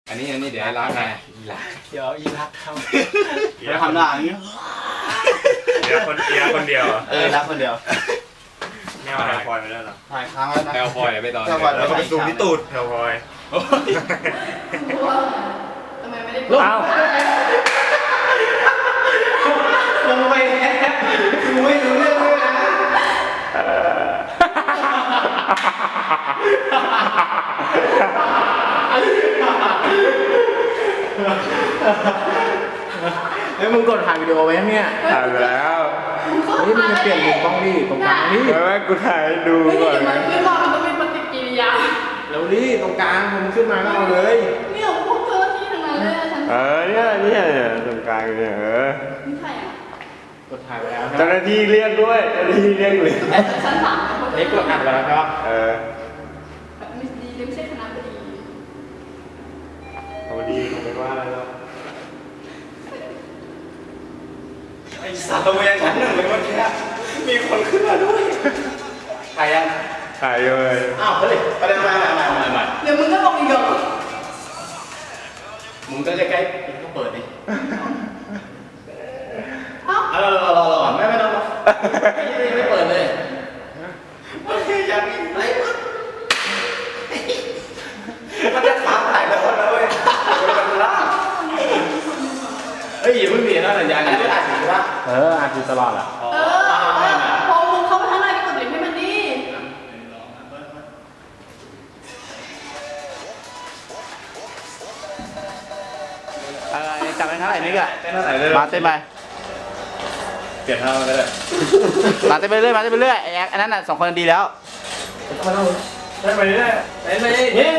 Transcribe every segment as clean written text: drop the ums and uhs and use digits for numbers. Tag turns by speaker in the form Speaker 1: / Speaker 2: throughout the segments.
Speaker 1: อันนี้เดี๋ยวล้างไง
Speaker 2: เดี๋ยวอีรักทำ
Speaker 3: จะทำหน้าอย่างนี้
Speaker 4: เดียวคนเดียว
Speaker 3: รักคนเดียว
Speaker 4: ไม่เอาแถวพลอยไปแล้วหรอ
Speaker 3: ถ่ายค้างแล้วนะ
Speaker 1: แอลพอยไปตอน
Speaker 4: แล้วก็ไปซูมที่ตูดแถวพลอย
Speaker 5: ทำไมไม่ได้
Speaker 2: อ้าวลงไปแล้วกูไม่รู้เรื่องเลยนะเฮ้ยมึงกดถ่ายวิดีโอไว้เนี่ย
Speaker 4: ถ่ายไปแล้ว
Speaker 2: เฮ้ยมึงจะเปลี่ยนมุมกล้องดิตรงกลางนี่
Speaker 4: แล้วแม่กูถ่ายให้ดู
Speaker 5: ไม่
Speaker 4: ก่
Speaker 5: ได้
Speaker 4: อน
Speaker 5: เดี๋ยวมันขึ้นมามันต้องมีปฏิกิริยา
Speaker 2: แล้วดิตรงกลางมึงขึ้นมาก็เอาเลย
Speaker 5: เนี่ยพวกเจ้าหน้าที่ทั้งนั้นเลยอะฉัน
Speaker 4: เนี่ยตรงกลางเนี่ย
Speaker 5: นี่ใครอ่ะ
Speaker 2: กดถ่ายไว้แล้ว
Speaker 4: เจ้าหน้าที่เรียกด้วยเจ้าหน้าที่เรียกเลย
Speaker 5: ฉันถาม
Speaker 2: เฮ้ยกดอัดไว้แล้วใช่ปะ
Speaker 5: มิสดีไม่ใช่คณะบดี
Speaker 4: เขาดีเขาไม่ว่าอะไรหรอก
Speaker 3: ไอ้สัตว์ตัวยังชั้นหนึ่งเลยเมื่อกี้มีคนขึ้นมาด้วยถ่ายยัง
Speaker 4: ถ่ายเลย
Speaker 3: อ้าวเฮ้ยไปเลยมา
Speaker 5: เดี๋ยวมึงก็บอกอีกเหรอ
Speaker 3: มึงก็ใกล้ๆก็เปิดดิ
Speaker 5: เอ้า
Speaker 3: รอไม่ต้องไม่เปิดเลยโอเคยังไงมันจะขาถ่ายแล้วนะเว้ยมันล่าเฮ้ยอย่าเพิ่งเปลี่ยนนะสัญญาณอันนี้อัดอยู่ใช่ปะ
Speaker 2: อัดอยู่ตลอดอ่ะ
Speaker 5: พอมึงเข้าไปข้างในก็กดลิงก์ให้มันดิ
Speaker 3: จับไปเท่าไหร่นี่กะ
Speaker 4: เต้นเท่าไหร่เลย
Speaker 3: มาเต้นไป
Speaker 4: เปลี่ยนท่าไปเลย
Speaker 3: มาเต้นไปเรื่อยมาเต้นไปเรื่อยไอ้อันนั้นน่ะ2 คนดีแล้ว
Speaker 4: เต้นไปเรื่อย
Speaker 3: เต้นไปนี่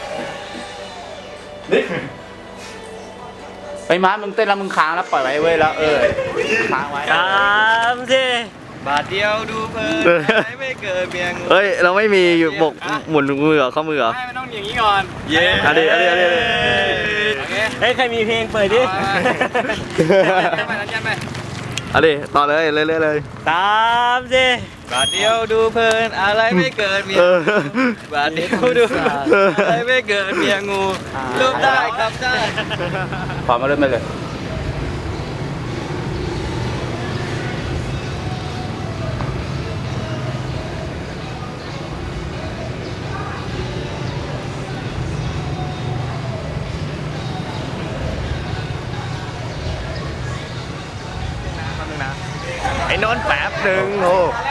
Speaker 3: ไปมามึงเต้นแล้วมึงค้างแล้วปล่อยไว้เว้ยแล้วค้างไว้
Speaker 1: บาทเดียวดูเพลินไม่เกิดเบียง
Speaker 3: เฮ้ยเราไม่มีบกหมุนมือเหรอข้อมือเหรอ
Speaker 1: ไม่ต้องอย่างนี้ก่อน เย้
Speaker 3: อันนี้
Speaker 1: โอเค
Speaker 2: เฮ้ยใครมีเพลงเปิดดิ
Speaker 1: ไปนั้นยันไป
Speaker 3: อันนี้ต่อเลยเรื่อยๆเลย
Speaker 2: ตามสิ
Speaker 1: บาทเดียวดูเพลินอะไรไม่เกิดเมียบาทเดียวดูอะไรไม่เกิดเมียงูรูปได้ครับได้
Speaker 3: พร้อมมาเริ่มไปเลยไอ้นนท์แป๊บหนึ่งโห